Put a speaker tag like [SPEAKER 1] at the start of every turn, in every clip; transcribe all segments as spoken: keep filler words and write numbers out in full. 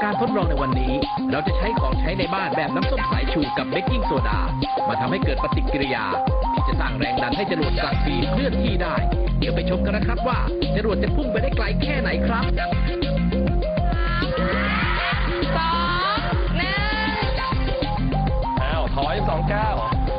[SPEAKER 1] การทดลองในวันนี้เราจะใช้ของใช้ในบ้านแบบน้ำส้มสายชูกับเบกกิ้งโซดามาทำให้เกิดปฏิกิริยาที่จะสร้างแรงดันให้จรวดกลับปีเคลื่อนที่ได้เดี๋ยวไปชมกันนะครับว่าจรวดจะพุ่งไปได้ไกลแค่ไหนครับ
[SPEAKER 2] สองหนึ่ง
[SPEAKER 3] อ้าวถอยสองเก้า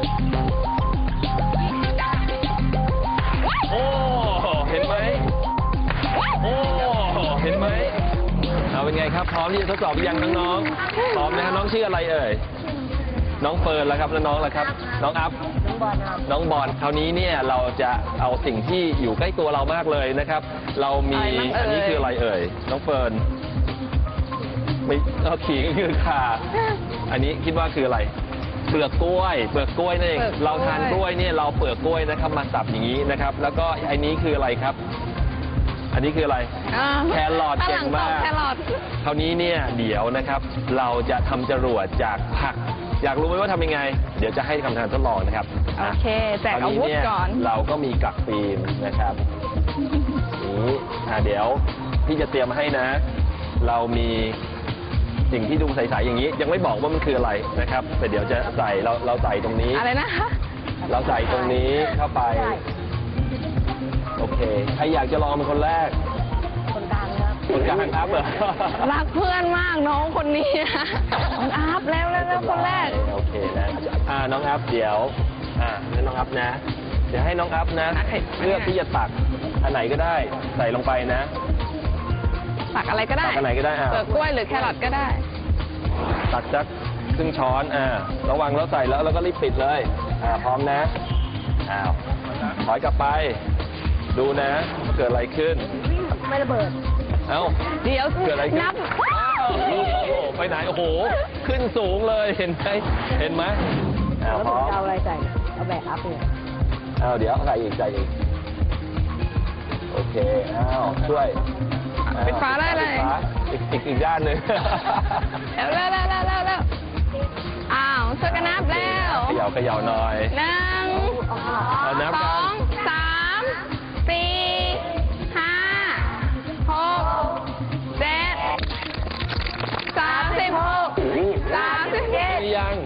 [SPEAKER 3] โอ้เห็นไหมโอ้เห็นไหมเอาเป็นไงครับพร้อมที่จะทดสอบหรือยังน้องๆพร้อมนะน้องชื่ออะไรเอ่ยน้องเฟิร์นแล้วครับแล้วน้องล่ะครับน้องอัพน้องบอลครับน้องบอลคราวนี้เนี่ยเราจะเอาสิ่งที่อยู่ใกล้ตัวเรามากเลยนะครับเรามีอันนี้คืออะไรเอ่ยน้องเฟิร์นไม่เอาขิงคือข่าอันนี้คิดว่าคืออะไรเปลือกกล้วยเปลือกกล้วยนั่นเองเราทานกล้วยเนี่ยเราเปลือกกล้วยนะครับมาสับอย่างนี้นะครับแล้วก็อันนี้คืออะไรครับอันนี้คืออะไรแครอทเก่งมากคราวนี้เนี่ยเดี๋ยวนะครับเราจะทำจรวดจากผักอยากรู้ไหมว่าทำยังไงเดี๋ยวจะให้คำทานทดลองนะครับ
[SPEAKER 2] โอเคแจกอาวุธก่อน
[SPEAKER 3] เราก็มีกักฟิล์มนะครับนี้เดี๋ยวพี่จะเตรียมมาให้นะเรามีสิ่งที่ดูใสๆอย่างนี้ยังไม่บอกว่ามันคืออะไรนะครับแต่เดี๋ยวจะใส่เราเราใส่ตรงนี้
[SPEAKER 2] อะไรนะ
[SPEAKER 3] เราใส่ตรงนี้เข้าไปโอเคใครอยากจะลองเป็นคนแรก
[SPEAKER 2] คนกลางครับ
[SPEAKER 3] คนกลางอัพเหรอ
[SPEAKER 2] รักเพื่อนมากน้องคนนี้น้องอัพแล้วแล้วคนแรก
[SPEAKER 3] โอเคนะอ่าน้องอัพเดี๋ยวอ่าให้น้องอัพนะเดี๋ยวให้น้องอัพนะเพื่อที่จะตักอันไหนก็ได้ใส่ลงไปนะ
[SPEAKER 2] ตักอะไรก็ได้
[SPEAKER 3] ตักอันไหนก็ได้
[SPEAKER 2] เปลือกกล้วยหรือแครอทก็ได้
[SPEAKER 3] ตักจักครึ่งช้อนอ่าระวังแล้วใส่แล้วแล้วก็รีบปิดเลยอ่าพร้อมนะอ้าวถอยกลับไปดูนะเกิดอะไรขึ้น
[SPEAKER 2] ไม่ระเบิด
[SPEAKER 3] เอ้า
[SPEAKER 2] เดี๋ยว
[SPEAKER 3] เกิดอะไรขึ้นนับไปไหนโอ้โหขึ้นสูงเลยเห็นไหมเห็นไหมอ้าวพร้อม
[SPEAKER 2] เอาอะไรใส่เอาแบบอัพเนี่ย
[SPEAKER 3] อ้าวเดี๋ยวใส่อีกใส่อีกโอเคอ้าวช่วย
[SPEAKER 2] ปิดฝาได้เลย
[SPEAKER 3] อีกอีกอีกด้านหนึ่ง
[SPEAKER 2] แล้วแล้วแล้วแล้วแล้วอ้าวช่วยกันนับแล้ว
[SPEAKER 3] เขย่าเขย่าหน่อย
[SPEAKER 2] หนึ่งสองสามสี่ห้าหกเจ็ดสามสิบหกสามสิบเจ็ด
[SPEAKER 3] ยัง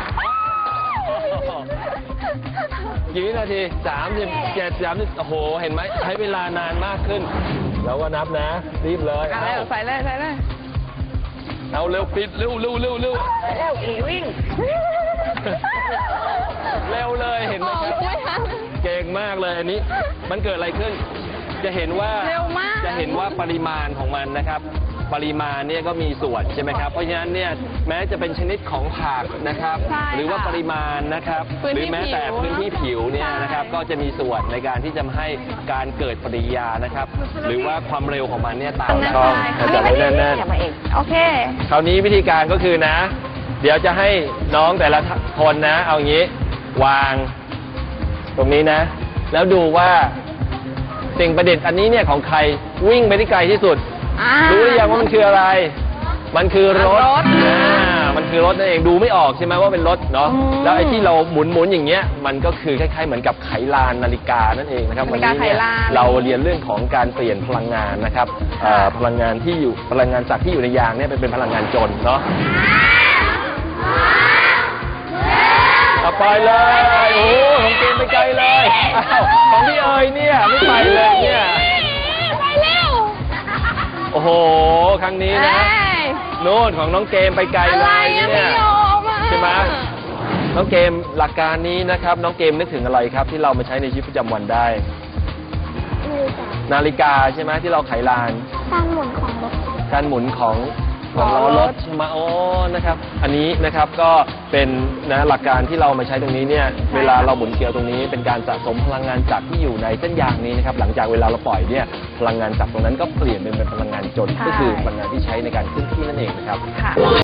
[SPEAKER 3] กี่วินาทีสามสิบเจ็ดสามสิบโอ้โหเห็นไหมใช้เวลานานมากขึ้นแล้วก็นับนะรีบเลย
[SPEAKER 2] เอาใส่เลยใส่เลย
[SPEAKER 3] เอาเร็วปิดเร็วเร็วเร็วเร็ว
[SPEAKER 2] เร็วอีวิ่ง
[SPEAKER 3] เร็วเลยเห็นไหมครับเก่งมากเลยอันนี้มันเกิดอะไรขึ้นจะเห็นว่าจะเห็นว่าปริมาณของมันนะครับปริมาณเนี่ยก็มีส่วนใช่ไหมครับเพราะฉะนั้นเนี่ยแม้จะเป็นชนิดของผักนะครับหรือว่าปริมาณนะครับหรือแม้แต่พื้นที่ผิวเนี่ยนะครับก็จะมีส่วนในการที่จะให้การเกิดปฏิกิริยานะครับหรือว่าความเร็วของมันเนี่ยต่างกันจะไม่แน่น
[SPEAKER 2] ๆโอเค
[SPEAKER 3] คราวนี้วิธีการก็คือนะเดี๋ยวจะให้น้องแต่ละคนนะเอาอย่างนี้วางตรงนี้นะแล้วดูว่าสิ่งประดิษฐ์อันนี้เนี่ยของใครวิ่งไปที่ไกลที่สุดรู้หรือยังว่ามันคืออะไรมันคือรถอ่ามันคือรถนั่นเองดูไม่ออกใช่ไหมว่าเป็นรถเนาะแล้วไอ้ที่เราหมุนหมุนอย่างเงี้ยมันก็คือคล้ายๆเหมือนกับไขลานนาฬิกานั่นเองนะครับวันนี้เนี่ยเราเรียนเรื่องของการเปลี่ยนพลังงานนะครับพลังงานที่อยู่พลังงานจากที่อยู่ในยางเนี่ยเป็นพลังงานจนเนาะต่อไปเลยโอ้ของเกมไปไกลเลยของพี่เอ๋ยเนี่ยไม่ไปเลยเนี่ยโอ้โหครั้งนี้นะโน่นของน้องเกมไปไกลเลยเนี่ยใช่ไหมน้องเกมหลักการนี้นะครับน้องเกมนึกถึงอะไรครับที่เรามาใช้ในชีวิตประจำวันได้นาฬิกาใช่ไหมที่เราไขลาน
[SPEAKER 2] การหมุนของรถ
[SPEAKER 3] การหมุนของของล้อรถใช่ไหมโอ้นะครับอันนี้นะครับก็เป็นนะหลักการที่เรามาใช้ตรงนี้เนี่ยเวลาเราหมุนเกลียวตรงนี้เป็นการสะสมพลังงานจากที่อยู่ในเส้นยางนี้นะครับหลังจากเวลาเราปล่อยเนี่ยพลังงานจากตรงนั้นก็เปลี่ยนเป็นพลังงานจนก็คือพลังงานที่ใช้ในการเคลื่อนที่นั่นเองนะครับ